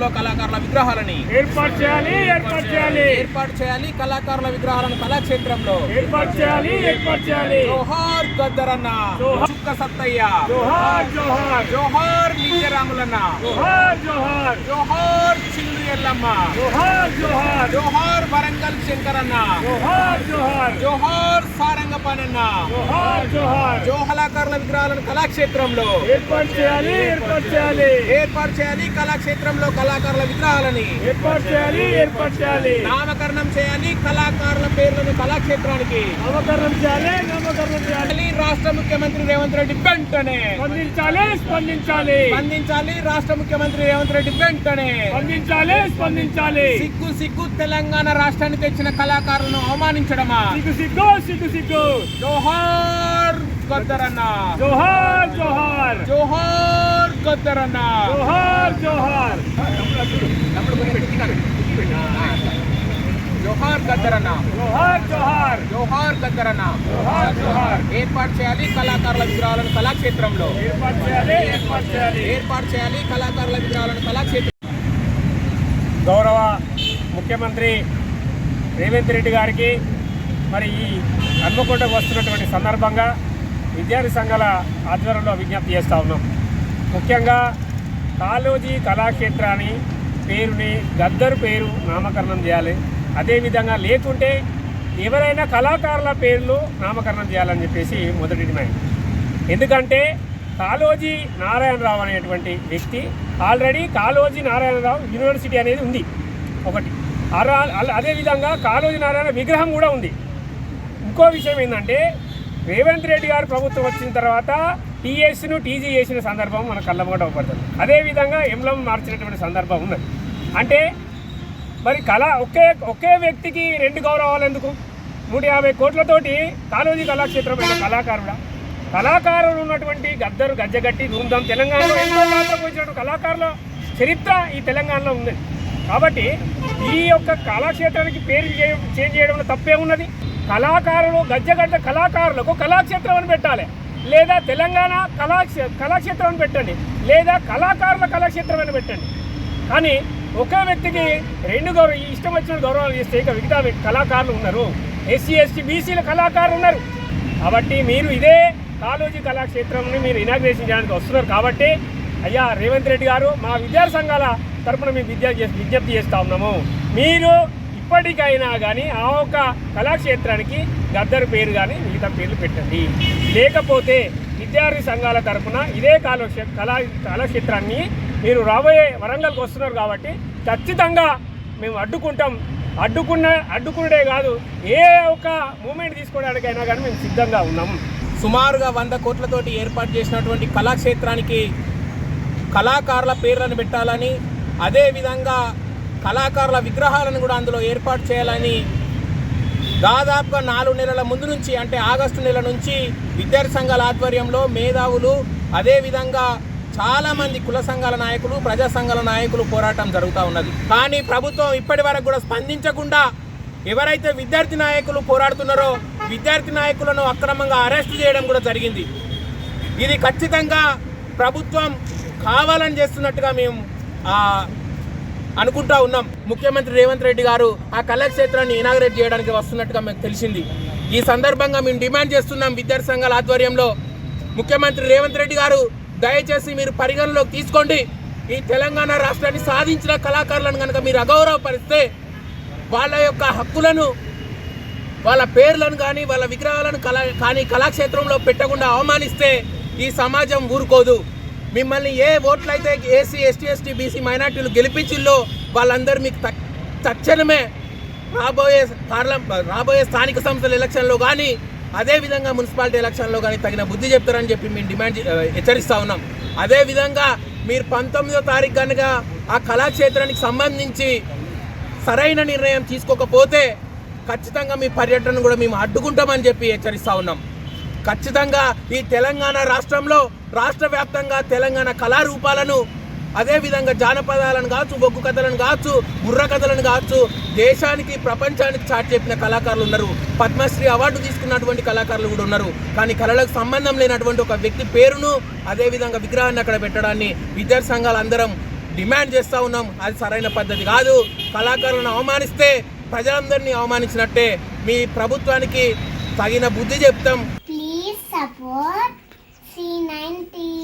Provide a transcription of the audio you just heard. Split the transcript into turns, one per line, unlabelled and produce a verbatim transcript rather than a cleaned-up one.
కళాక్షేత్రంలో కళాకారుల విగ్రహాలని
ఏర్పాటు చేయాలి ఏర్పాటు చేయాలి
ఏర్పాటు చేయాలి కళాకారుల విగ్రహాలను కళాక్షేత్రంలో
ఏర్పాటు చేయాలి ఏర్పాటు చేయాలి
జోహార్ గద్దరన్న, చుక్క సత్తయ్య,
జోహార్ జోహార్
జోహార్ నిత్యరాములన్న,
జోహార్ జోహార్
జోహార్ చిల్లు ఎల్లమ్మ,
జోహార్ జోహార్
జోహార్ వరంగల్ శంకరన్న,
జోహార్ జోహార్
జోహార్ సారంగపానన్న,
జోహార్ జోహార్
కళాకారుల విగ్రహాలను కళాక్షేత్రంలో
ఏర్పాటు చేయాలి ఏర్పాటు చేయాలి
ఏర్పాటు చేయాలి కళాక్షేత్రంలో కళాకారుల విగ్రహాలని
ఏర్పాటు చేయాలి ఏర్పాటు చేయాలి
నామకరణం చేయాలి కళాకారుల పేర్లను కళాక్షేత్రానికి
నామకరణం చేయాలి నామకరణం చేయాలి
రాష్ట్ర ముఖ్యమంత్రి రేవంత్ రెడ్డి వెంటనే
స్పందించాలి స్పందించాలి
స్పందించాలి రాష్ట్ర ముఖ్యమంత్రి రేవంత్ రెడ్డి వెంటనే
స్పందించాలి స్పందించాలి
సిగ్గు సిగ్గు తెలంగాణ రాష్ట్రానికి తెచ్చిన కళాకారులను అవమానించడమా?
సిగ్గు సిగ్గు సిగ్గు సిగ్గు
జోహార్ గద్దరన్న,
జోహార్ జోహార్
జోహార్ గద్దరన్న,
జోహార్ జోహార్
జోహార్ గద్దరన్న,
జోహార్ జోహార్
జోహార్ గద్దరన్న.
జోహార్ జోహార్
ఏర్పాటు చేయాలి కళాకారుల విగ్రహాలను కళాక్షేత్రంలో
ఏర్పాటు చేయాలి ఏర్పాటు చేయాలి
ఏర్పాటు చేయాలి కళాకారుల విగ్రహాలను కళాక్షేత్రం.
గౌరవ ముఖ్యమంత్రి రేవంత్ రెడ్డి గారికి మరి ఈ హన్మకొండకు వస్తున్నటువంటి సందర్భంగా విద్యార్థి సంఘాల ఆధ్వర్యంలో విజ్ఞప్తి చేస్తూ ఉన్నాం. ముఖ్యంగా కాళోజీ కళాక్షేత్రాన్ని పేరుని గద్దరు పేరు నామకరణం చేయాలి. అదేవిధంగా లేకుంటే ఎవరైనా కళాకారుల పేర్లు నామకరణం చేయాలని చెప్పేసి మొదటి డిమాండ్. ఎందుకంటే కాళోజీ నారాయణరావు అనేటువంటి వ్యక్తి ఆల్రెడీ కాళోజీ నారాయణరావు యూనివర్సిటీ అనేది ఉంది ఒకటి. అదేవిధంగా కాళోజీ నారాయణ విగ్రహం కూడా ఉంది. ఇంకో విషయం ఏంటంటే రేవంత్ రెడ్డి గారు ప్రభుత్వం వచ్చిన తర్వాత టీఎస్ను టీజీ చేసిన సందర్భం మన కళ్ళమ్మట అవపడుతుంది. అదేవిధంగా ఎంలం మార్చినటువంటి సందర్భం ఉన్నది. అంటే మరి కళ ఒకే ఒకే వ్యక్తికి రెండు గౌరవాలు ఎందుకు? నూట యాభై కోట్లతోటి కాళోజీ కళాక్షేత్రం అయిన కళాకారుడా కళాకారులు ఉన్నటువంటి గద్దరు గజ్జగట్టి ధూమ్ధాం తెలంగాణలో ఎన్నో పాత్ర పోసినటువంటి కళాకారుల చరిత్ర ఈ తెలంగాణలో ఉంది. కాబట్టి ఈ యొక్క కళాక్షేత్రానికి పేరు చేంజ్ చేయడంలో తప్పే ఉన్నది. కళాకారులు గజ్జగడ్డ కళాకారులకు కళాక్షేత్రం అని పెట్టాలి, లేదా తెలంగాణ కళాక్షే కళాక్షేత్రం అని పెట్టండి, లేదా కళాకారుల కళాక్షేత్రం అని పెట్టండి. కానీ ఒకే వ్యక్తికి రెండు గౌరవ ఇష్టం వచ్చిన గౌరవాలు చేస్తే ఇక మిగతా కళాకారులు ఉన్నారు, ఎస్సీ ఎస్టీ బీసీల కళాకారులు ఉన్నారు. కాబట్టి మీరు ఇదే కాళోజీ కళాక్షేత్రంని మీరు ఇనాగ్రేషన్ చేయడానికి వస్తున్నారు. కాబట్టి అయ్యా రేవంత్ రెడ్డి గారు, మా విద్యార్థి సంఘాల తరఫున మేము విద్యా విజ్ఞప్తి చేస్తూ ఉన్నాము, మీరు ఇప్పటికైనా కానీ ఆ ఒక్క కళాక్షేత్రానికి గద్దరు పేరు కానీ మిగతా పేర్లు పెట్టండి. లేకపోతే విద్యార్థి సంఘాల తరఫున ఇదే కాళోక్షే కళా కళాక్షేత్రాన్ని మీరు రాబోయే వరంగల్కి వస్తున్నారు కాబట్టి ఖచ్చితంగా మేము అడ్డుకుంటాం. అడ్డుకున్న అడ్డుకునే కాదు, ఏ ఒక్క మూమెంట్ తీసుకోవడానికైనా కానీ మేము సిద్ధంగా ఉన్నాము.
సుమారుగా వంద కోట్లతోటి ఏర్పాటు చేసినటువంటి కళాక్షేత్రానికి కళాకారుల పేర్లను పెట్టాలని, అదేవిధంగా కళాకారుల విగ్రహాలను కూడా అందులో ఏర్పాటు చేయాలని దాదాపుగా నాలుగు నెలల ముందు నుంచి, అంటే ఆగస్టు నెల నుంచి విద్యార్థి సంఘాల ఆధ్వర్యంలో మేధావులు, అదేవిధంగా చాలామంది కుల సంఘాల నాయకులు, ప్రజా సంఘాల నాయకులు పోరాటం జరుగుతూ ఉన్నది. కానీ ప్రభుత్వం ఇప్పటి వరకు కూడా స్పందించకుండా ఎవరైతే విద్యార్థి నాయకులు పోరాడుతున్నారో విద్యార్థి నాయకులను అక్రమంగా అరెస్ట్ చేయడం కూడా జరిగింది. ఇది ఖచ్చితంగా ప్రభుత్వం కావాలని చేస్తున్నట్టుగా మేము అనుకుంటా ఉన్నాం. ముఖ్యమంత్రి రేవంత్ రెడ్డి గారు ఆ కళాక్షేత్రాన్ని ఇనాగ్రేట్ చేయడానికి వస్తున్నట్టుగా మాకు తెలిసింది. ఈ సందర్భంగా మేము డిమాండ్ చేస్తున్నాం విద్యార్థి సంఘాల ఆధ్వర్యంలో, ముఖ్యమంత్రి రేవంత్ రెడ్డి గారు దయచేసి మీరు పరిగణలోకి తీసుకోండి. ఈ తెలంగాణ రాష్ట్రాన్ని సాధించిన కళాకారులను కనుక మీరు అగౌరవపరిస్తే, వాళ్ళ యొక్క హక్కులను, వాళ్ళ పేర్లను కానీ వాళ్ళ విగ్రహాలను కళా కానీ కళాక్షేత్రంలో పెట్టకుండా అవమానిస్తే ఈ సమాజం ఊరుకోదు. మిమ్మల్ని ఏ ఓట్లయితే ఏసీ ఎస్టీ ఎస్టీ బీసీ మైనార్టీలు గెలిపించిల్లో వాళ్ళందరూ మీకు తక్షణమే రాబోయే పార్లమెంట్ రాబోయే స్థానిక సంస్థల ఎలక్షన్లో కానీ, అదేవిధంగా మున్సిపాలిటీ ఎలక్షన్లో కానీ తగిన బుద్ధి చెప్తారని చెప్పి మేము డిమాండ్ హెచ్చరిస్తూ ఉన్నాం. అదేవిధంగా మీరు పంతొమ్మిదో తారీఖు కనుక ఆ కళాక్షేత్రానికి సంబంధించి సరైన నిర్ణయం తీసుకోకపోతే ఖచ్చితంగా మీ పర్యటన కూడా మేము అడ్డుకుంటామని చెప్పి హెచ్చరిస్తూ ఉన్నాం. ఖచ్చితంగా ఈ తెలంగాణ రాష్ట్రంలో రాష్ట్ర వ్యాప్తంగా తెలంగాణ కళారూపాలను, అదేవిధంగా జానపదాలను కావచ్చు, బొగ్గు కథలను కావచ్చు, బుర్ర కథలను కావచ్చు దేశానికి ప్రపంచానికి చాటి చెప్పిన కళాకారులు ఉన్నారు. పద్మశ్రీ అవార్డు తీసుకున్నటువంటి కళాకారులు కూడా ఉన్నారు. కానీ కళలకు సంబంధం లేనటువంటి ఒక వ్యక్తి పేరును, అదేవిధంగా విగ్రహాన్ని అక్కడ పెట్టడాన్ని విద్యార్థి సంఘాలు అందరం డిమాండ్ చేస్తూ ఉన్నాం. అది సరైన పద్ధతి కాదు. కళాకారులను అవమానిస్తే ప్రజలందరినీ అవమానించినట్టే. మీ ప్రభుత్వానికి తగిన బుద్ధి చెప్తాం.
Please support C nine T V.